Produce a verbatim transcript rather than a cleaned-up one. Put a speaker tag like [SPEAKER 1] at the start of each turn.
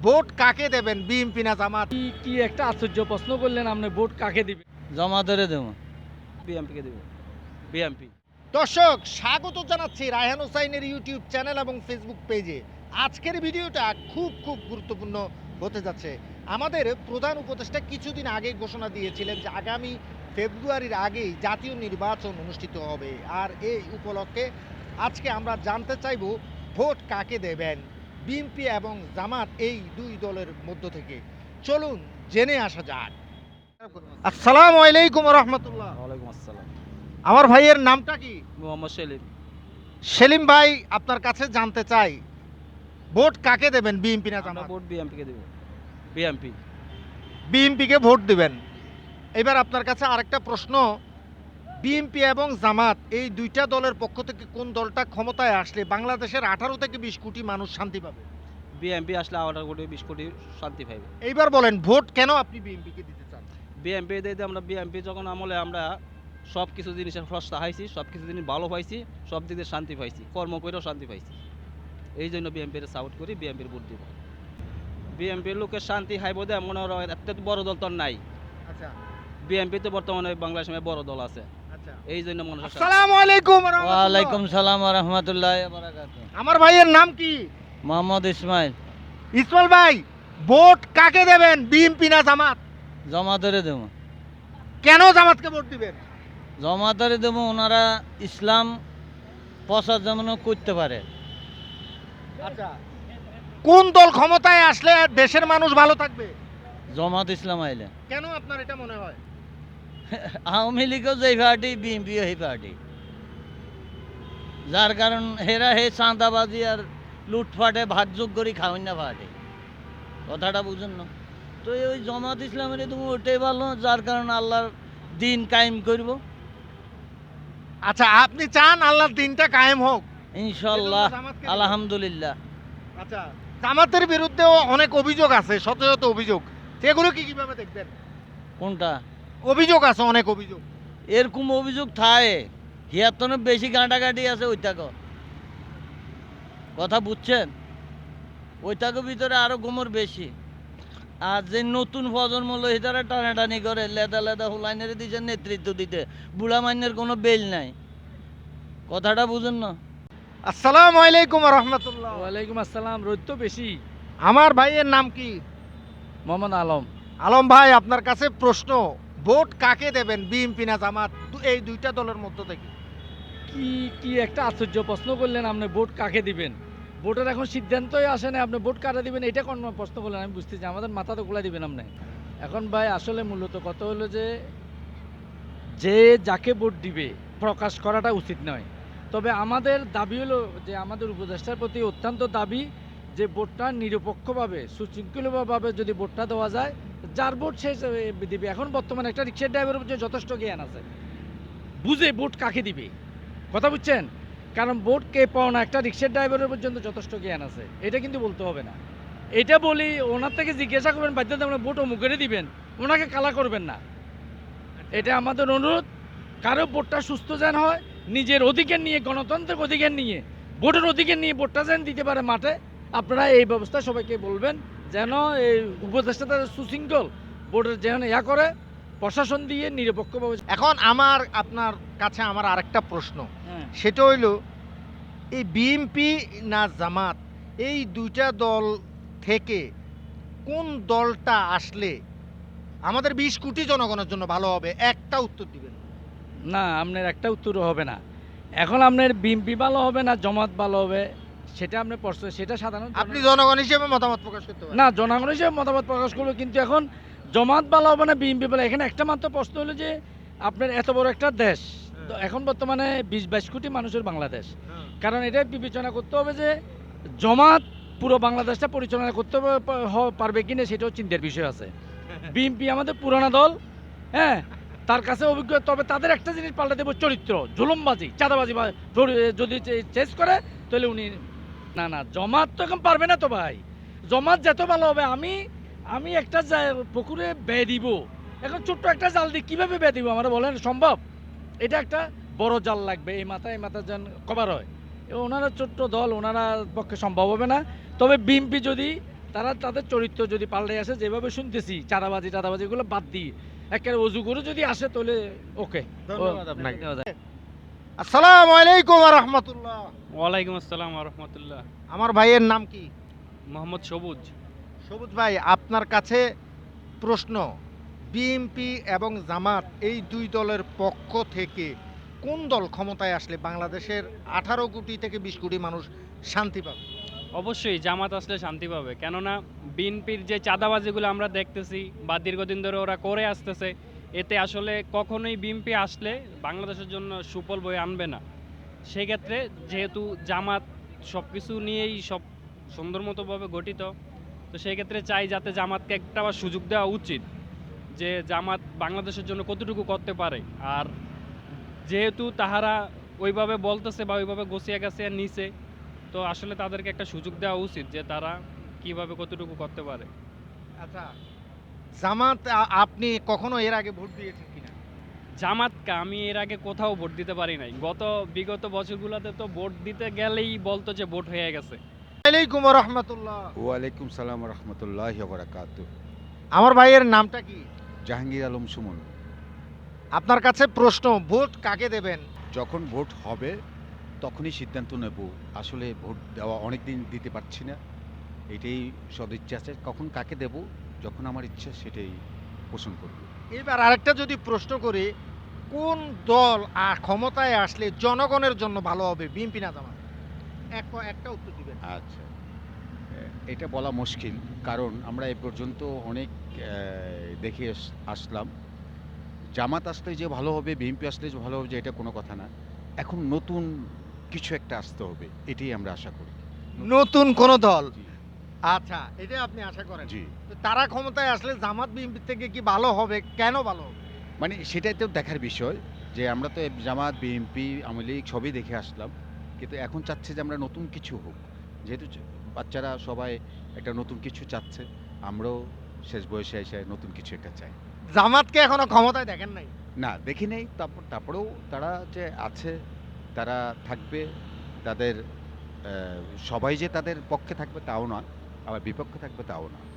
[SPEAKER 1] Vote কাকে দেবেন, BNP না জামাত?
[SPEAKER 2] কি কি একটা আশ্চর্য প্রশ্ন করলেন, আপনি ভোট কাকে দিবেন?
[SPEAKER 3] জামাতেরে দেবো, বিএমপিকে দেবো, বিএমপি।
[SPEAKER 1] দর্শক, স্বাগত জানাচ্ছি রায়হান হোসাইনের ইউটিউব চ্যানেল এবং ফেসবুক পেজে। আজকের ভিডিওটা খুব খুব গুরুত্বপূর্ণ হতে যাচ্ছে। আমাদের প্রধান উপদেষ্টা কিছুদিন আগে ঘোষণা দিয়েছিলেন যে আগামী ফেব্রুয়ারির আগেই জাতীয় নির্বাচন অনুষ্ঠিত হবে। আর এই উপলক্ষে আজকে আমরা জানতে চাইব ভোট কাকে দেবেন, বিএনপি এবং জামাত এই দুই দলের মধ্য থেকে। চলুন জেনে আসা যাক। আসসালামু আলাইকুম রহমতুল্লাহ।
[SPEAKER 3] ওয়ালাইকুম আসসালাম।
[SPEAKER 1] আমার ভাইয়ের নামটা কি?
[SPEAKER 3] মোহাম্মদ সেলিম।
[SPEAKER 1] সেলিম ভাই, আপনার কাছে জানতে চাই ভোট কাকে দেবেন, বিএনপি না
[SPEAKER 3] আমরা
[SPEAKER 1] জামাত?
[SPEAKER 3] ভোট বিএমপিকে দেবো, বিএমপি।
[SPEAKER 1] বিএনপিকে ভোট দিবেন। এবার আপনার কাছে আরেকটা প্রশ্ন, বিএনপি এবং জামাত এই দুইটা দলের পক্ষ থেকে কোন দলটা ক্ষমতায় আসলে বাংলাদেশের আঠারো থেকে বিশ কোটি মানুষ শান্তি পাবে?
[SPEAKER 3] বিএমপি আসলে আঠারো কোটি বিশ কোটি শান্তি পাইবে।
[SPEAKER 1] এইবার বলেন ভোট কেন আপনি বিএনপিকে দিতে চান?
[SPEAKER 3] বিএমপি দিয়ে আমরা বিএমপি যখন আমলে আমরা সব কিছু জিনিসের সস্তা হাইছি, সব কিছু জিনিস ভালো পাইছি, সব দিক দিয়ে শান্তি পাইছি, কর্ম করেও শান্তি পাইছি। এই জন্য বিএমপির সাপোর্ট করি, বিএমপির ভোট দিব। বিএমপির লোকের শান্তি হাইব দেয় মনে হয় এত বড় দল তো নাই।
[SPEAKER 1] আচ্ছা
[SPEAKER 3] বিএমপি তো বর্তমানে বাংলাদেশে বড় দল আছে,
[SPEAKER 1] আচ্ছা।
[SPEAKER 3] এই জন্য মনে হয়।
[SPEAKER 1] আসসালামু আলাইকুম রহমতুল্লাহ।
[SPEAKER 4] ওয়ালাইকুম সালাম ওয়া রাহমাতুল্লাহি ওয়া বারাকাতুহু।
[SPEAKER 1] আমার ভাইয়ের নাম কি?
[SPEAKER 4] মোহাম্মদ ইসমাইল।
[SPEAKER 1] ইসমাইল ভাই, ভোট কাকে দেবেন, বিএনপি না জামাত?
[SPEAKER 4] জামাতেরে দেবো।
[SPEAKER 1] কেন জামাতকে ভোট দিবেন?
[SPEAKER 4] জামাতেরে দেবো, ওনারা ইসলাম প্রচার যেমন করতে পারে।
[SPEAKER 1] আচ্ছা, কোন দল ক্ষমতায় আসলে দেশের মানুষ ভালো থাকবে?
[SPEAKER 4] জামাত ইসলাম আইলে।
[SPEAKER 1] কেন আপনার এটা মনে হয়?
[SPEAKER 4] আওয়ামী লীগও যেই পার্টি, বিএনপিও সেই পার্টি, যার কারণ হেরা হে চাঁদাবাজি আর লুটফাটে ভাগযোগ করি খাওয়ান না পার্টি। কথাটা বুঝুন না তো, ওই জামাত ইসলামের তুমি ওটাই ভালো, যার কারণে আল্লাহর দিন কায়েম করব।
[SPEAKER 1] আচ্ছা, আপনি চান আল্লাহর দিনটা কায়েম হোক?
[SPEAKER 4] ইনশাল্লাহ,
[SPEAKER 1] এজন্য জামাতকে দিবেন?
[SPEAKER 4] আলহামদুলিল্লাহ।
[SPEAKER 1] আচ্ছা, জামাতের বিরুদ্ধেও অনেক অভিযোগ আছে, শত শত অভিযোগ, সেগুলো কি কিভাবে দেখবেন?
[SPEAKER 4] কোনটা?
[SPEAKER 1] অভিযোগ আছে, অনেক অভিযোগ।
[SPEAKER 4] এরকম অভিযোগ থাকে, হিয়াত্তনের বেশি গাঁটাগাঁটি আছে ওইটাকে। কথা বুঝছেন? ওইটাকে ভিতরে আরো গোমর বেশি। আর যে নতুন প্রজন্ম লই তারা টানাটানি করে, লেদা লেদা হুলাইনের দিচ্ছে নেতৃত্ব দিতে, বুড়া মাইনের কোনো বেল নাই। কথাটা বুঝুন না।
[SPEAKER 1] আসসালামু আলাইকুম রহমতুল্লাহ।
[SPEAKER 2] ওয়ালাইকুম আসসালাম। রোদ তো বেশি।
[SPEAKER 1] আমার ভাইয়ের নাম কি?
[SPEAKER 2] মোহাম্মদ আলম।
[SPEAKER 1] আলম ভাই, আপনার কাছে প্রশ্ন, ভোট কাকে দেবেন, বিএনপি না জামাত, দু- এই দুইটা দলের মধ্য থেকে?
[SPEAKER 2] কি কি একটা আশ্চর্য প্রশ্ন করলেন, আপনি ভোট কাকে দিবেন? ভোটের এখন সিদ্ধান্তই আসে না, আপনি ভোট কারা দিবেন এটা কোন প্রশ্ন করলেন? আমি বুঝতেছি, আমাদের মাথা তো গোলা দিবেন আপনি। এখন ভাই আসলে মূলত কথা হলো যে যে যাকে ভোট দিবে প্রকাশ করাটা উচিত নয়। তবে আমাদের দাবি হলো যে আমাদের উপদেষ্টার প্রতি অত্যন্ত দাবি যে ভোটটা নিরপেক্ষভাবে সুশৃঙ্খলভাবে যদি ভোটটা দেওয়া যায়, যার ভোট সে দিবে। এখন বর্তমানে একটা রিক্সার ড্রাইভারের মধ্যে যথেষ্ট জ্ঞান আছে, বুঝে ভোট কাকে দিবে। কথা বুঝছেন? কারণ ভোট কে পাও না, একটা রিক্সার ড্রাইভারের পর্যন্ত যথেষ্ট জ্ঞান আছে, এটা কিন্তু বলতে হবে না। এটা বলি, ওনার থেকে জিজ্ঞাসা করবেন বাধ্যতামূলক ভোট অমুকেরই দিবেন, ওনাকে কালা করবেন না। এটা আমাদের অনুরোধ। কারো ভোটটা সুস্থ যেন হয়, নিজের অধিকার নিয়ে, গণতন্ত্রের অধিকার নিয়ে, ভোটের অধিকার নিয়ে ভোটটা যেন দিতে পারে মাঠে। আপনারা এই ব্যবস্থা সবাইকে বলবেন যেন এই উপদেষ্টা তাদের সুশৃঙ্খল ভোটের যেন ইয়া করে, প্রশাসন দিয়ে নিরপেক্ষভাবে।
[SPEAKER 1] এখন আমার আপনার কাছে আমার আরেকটা প্রশ্ন,
[SPEAKER 2] হ্যাঁ,
[SPEAKER 1] সেটা হইল এই বিএনপি না জামাত এই দুইটা দল থেকে কোন দলটা আসলে আমাদের বিশ কোটি জনগণের জন্য ভালো হবে? একটা উত্তর দিবেন।
[SPEAKER 2] না, আপনার একটা উত্তরও হবে না। এখন আপনার বিএনপি ভালো হবে না জামাত ভালো হবে, সেটা আপনার প্রশ্ন, সেটা সাধারণ
[SPEAKER 1] আপনি জনগণ হিসেবে মতামত প্রকাশ করতে পারেন।
[SPEAKER 2] না, জনগণ হিসেবে মতামত প্রকাশ করবো, কিন্তু এখন জামাত ভালো হবে না বিএনপি ভালো, এখানে একটা মাত্র প্রশ্ন হলো যে আপনার এত বড় একটা দেশ, তো এখন বর্তমানে বিশ বাইশ কোটি মানুষের বাংলাদেশ,
[SPEAKER 1] হ্যাঁ।
[SPEAKER 2] কারণ এটাই বিবেচনা করতে হবে যে জামাত পুরো বাংলাদেশটা পরিচালনা করতে পারবে- হ- পারবে কিনা, সেটাও চিন্তার বিষয় আছে। বিএনপি আমাদের পুরানা দল, হ্যাঁ, তার কাছে অভিজ্ঞ, তবে তাদের একটা জিনিস পাল্টে দেবো, চরিত্র, জুলুমবাজি, চাঁদাবাজি বা জড়ি- যদি চেস করে তাহলে উনি। না না, জমাত তো এখন পারবে না তো ভাই, জমাত যত ভালো হবে। আমি আমি একটা জা- পুকুরে বেয়ে দিব, এখন ছোট্ট একটা জাল দিয়ে কীভাবে বেয়ে দিব আমরা বলেন, সম্ভব? এটা একটা বড় জাল লাগবে, এই মাথা এই মাথা যেন কভার হয়। এবং ওনারা ছোট্ট দল, ওনারা পক্ষে সম্ভব হবে না। তবে বিএনপি যদি তারা তাদের চরিত্র যদি পাল্টে আসে, যেভাবে শুনতেছি চাঁদাবাজি টাদাবাজি এগুলো বাদ দিই একেবারে অজু করে যদি আসে তাহলে ওকে।
[SPEAKER 1] ধন্যবাদ আপনাকে।
[SPEAKER 2] দেওয়া যায়।
[SPEAKER 1] আসসালামু আলাইকুম ওয়া রাহমাতুল্লাহ।
[SPEAKER 5] ওয়ালাইকুম আসসালাম রহমতুল্লাহ।
[SPEAKER 1] আমার ভাইয়ের নাম কি?
[SPEAKER 5] মোহাম্মদ সবুজ।
[SPEAKER 1] সবুজ ভাই, আপনার কাছে প্রশ্ন, বিএনপি এবং জামাত এই দুই দলের পক্ষ থেকে কোন দল ক্ষমতায় আসলে বাংলাদেশের আঠারো কোটি থেকে বিশ কোটি মানুষ শান্তি পাবে?
[SPEAKER 5] অবশ্যই জামাত আসলে শান্তি পাবে, কেননা বিএনপির যে চাঁদাবাজিগুলো আমরা দেখতেছি বা দীর্ঘদিন ধরে ওরা করে আসতেছে, এতে আসলে কখনোই বিএনপি আসলে বাংলাদেশের জন্য সুফল বয়ে আনবে না। সেই ক্ষেত্রে যেহেতু জামাত সব কিছু নিয়েই সব সুন্দর মতোভাবে গঠিত, তো সেই ক্ষেত্রে চাই যাতে জামাতকে একটা আবার সুযোগ দেওয়া উচিত যে জামাত বাংলাদেশের জন্য কতটুকু করতে পারে। আর যেহেতু তাহারা ওইভাবে বলতেছে বা ওইভাবে গোছিয়া গাছিয়া নিছে, তো আসলে তাদেরকে একটা সুযোগ দেওয়া উচিত যে তারা কিভাবে কতটুকু করতে পারে।
[SPEAKER 1] আচ্ছা, জামাত আ- আপনি কখনো এর আগে ভোট দিয়েছেন কিনা?
[SPEAKER 5] জামাতকে আমি এর আগে কোথাও ভোট দিতে পারি নাই। গত বিগত বছরগুলোতে তো ভোট দিতে গেলেই বলতো যে ভোট হয়ে গেছে।
[SPEAKER 1] ওয়ালাইকুম ওয়া রাহমাতুল্লাহ।
[SPEAKER 6] ওয়ালাইকুম সালাম রহমতুল্লাহ বারাকাতু।
[SPEAKER 1] আমার ভাইয়ের নামটা কি?
[SPEAKER 6] জাহাঙ্গীর আলম সুমন।
[SPEAKER 1] আপনার কাছে প্রশ্ন, ভোট কাকে দেবেন?
[SPEAKER 6] যখন ভোট হবে তখনই সিদ্ধান্ত নেব। আসলে ভোট দেওয়া অনেক দিন দিতে পারছি না, এটাই সদিচ্ছা আছে। কখন কাকে দেব, যখন আমার ইচ্ছা সেটাই পোষণ করব।
[SPEAKER 1] এবার আরেকটা যদি প্রশ্ন করি, কোন দল আর ক্ষমতায় আসলে জনগণের জন্য ভালো হবে, বিএনপি না জামাত? এক একটা উত্তর দিবেন।
[SPEAKER 6] আচ্ছা, এ- এটা বলা মুশকিল, কারণ আমরা এ পর্যন্ত অনেক আহ, দেখে আস- আসলাম। জামাত আসলে যে ভালো হবে, বিএনপি আসলে যে ভালো হবে, যে এটা কোনো কথা না। এখন নতুন কিছু একটা আসতে হবে, এটাই আমরা আশা করি।
[SPEAKER 1] নতুন কোন দল?
[SPEAKER 6] জি,
[SPEAKER 1] আচ্ছা, এটা আপনি আশা করেন।
[SPEAKER 6] জি,
[SPEAKER 1] তো তারা ক্ষমতায় আসলে জামাত বিএনপি থেকে কি ভালো হবে? কেন ভালো হবে?
[SPEAKER 6] মানে সেটাই তো দেখার বিষয়, যে আমরা তো জামাত বিএনপি আওয়ামী লীগ সবই দেখে আসলাম, কিন্তু এখন চাচ্ছে যে আমরা নতুন কিছু হোক। যেহেতু চ- বাচ্চারা সবাই একটা নতুন কিছু চাচ্ছে, আমরাও শেষ বয়সে এসে নতুন কিছু একটা চাই।
[SPEAKER 1] জামাতকে এখনো ক্ষমতায় দেখেন নাই?
[SPEAKER 6] না, দেখি নেই, তারপর তারপরেও তারা যে আছে, তারা থাকবে। তাদের আহ, সবাই যে তাদের পক্ষে থাকবে তাও না, আবার বিপক্ষে থাকবে তাও না।